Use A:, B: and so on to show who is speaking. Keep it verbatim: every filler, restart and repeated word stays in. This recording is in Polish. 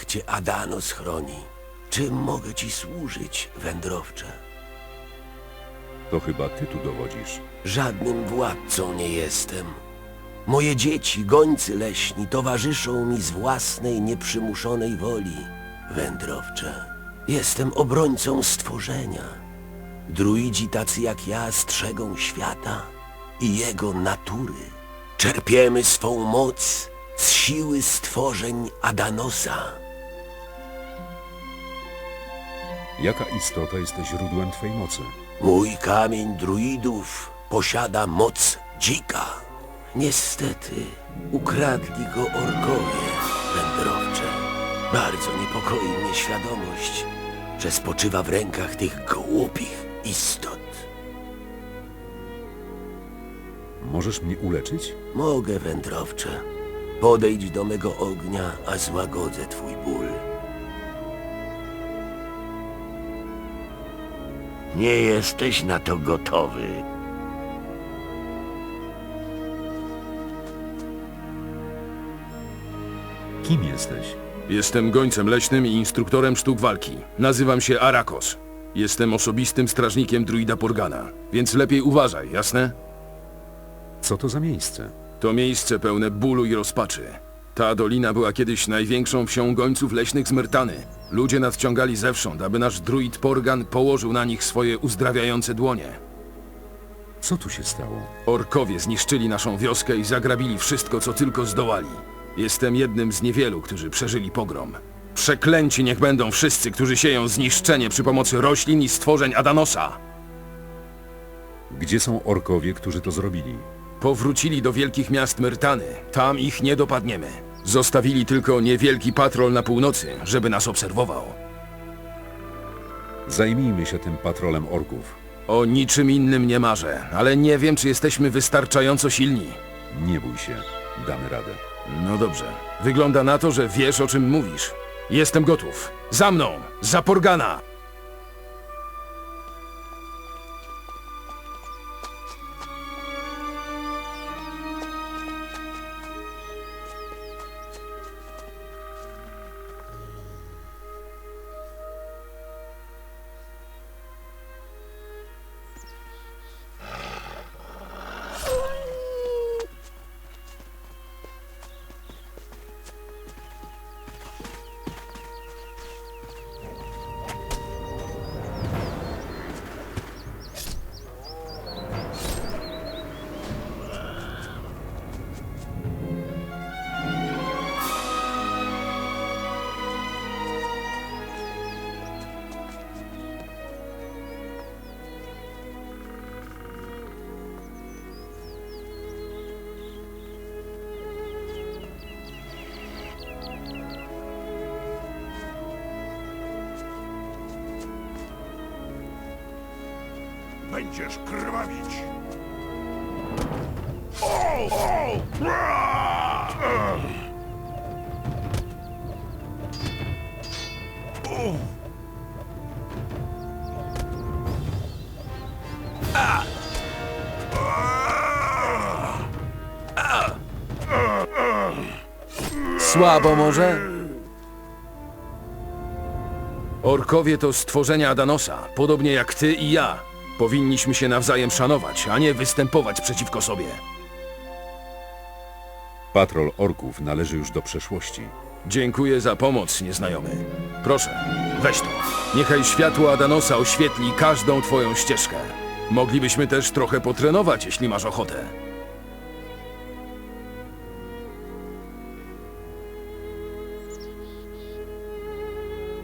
A: niech cię Adanos chroni. Czym mogę ci służyć, wędrowcze?
B: To chyba ty tu dowodzisz.
A: Żadnym władcą nie jestem. Moje dzieci, gońcy leśni, towarzyszą mi z własnej, nieprzymuszonej woli. Wędrowcze, jestem obrońcą stworzenia. Druidzi tacy jak ja strzegą świata i jego natury. Czerpiemy swą moc z siły stworzeń Adanosa.
B: Jaka istota jest źródłem twej mocy?
A: Mój kamień druidów posiada moc dzika. Niestety, ukradli go orkowie, wędrowcze. Bardzo niepokoi mnie świadomość, że spoczywa w rękach tych głupich istot.
B: Możesz mnie uleczyć?
A: Mogę, wędrowcze. Podejdź do mego ognia, a złagodzę twój ból.
C: Nie jesteś na to gotowy.
B: Kim jesteś?
D: Jestem gońcem leśnym i instruktorem sztuk walki. Nazywam się Arakos. Jestem osobistym strażnikiem druida Porgana, więc lepiej uważaj, jasne?
B: Co to za miejsce?
D: To miejsce pełne bólu i rozpaczy. Ta dolina była kiedyś największą wsią gońców leśnych z Myrtany. Ludzie nadciągali zewsząd, aby nasz druid Porgan położył na nich swoje uzdrawiające dłonie.
B: Co tu się stało?
D: Orkowie zniszczyli naszą wioskę i zagrabili wszystko, co tylko zdołali. Jestem jednym z niewielu, którzy przeżyli pogrom. Przeklęci niech będą wszyscy, którzy sieją zniszczenie przy pomocy roślin i stworzeń Adanosa.
B: Gdzie są orkowie, którzy to zrobili?
D: Powrócili do wielkich miast Myrtany. Tam ich nie dopadniemy. Zostawili tylko niewielki patrol na północy, żeby nas obserwował.
B: Zajmijmy się tym patrolem orków.
D: O niczym innym nie marzę, ale nie wiem, czy jesteśmy wystarczająco silni.
B: Nie bój się, damy radę.
D: No dobrze. Wygląda na to, że wiesz, o czym mówisz. Jestem gotów. Za mną! Za Porgana!
E: Będziesz krwawić. O! O! Bra! Uff.
D: Słabo może? Orkowie to stworzenia Adanosa, podobnie jak ty i ja. Powinniśmy się nawzajem szanować, a nie występować przeciwko sobie.
B: Patrol orków należy już do przeszłości.
D: Dziękuję za pomoc, nieznajomy. Proszę, weź to. Niechaj światło Adanosa oświetli każdą twoją ścieżkę. Moglibyśmy też trochę potrenować, jeśli masz ochotę.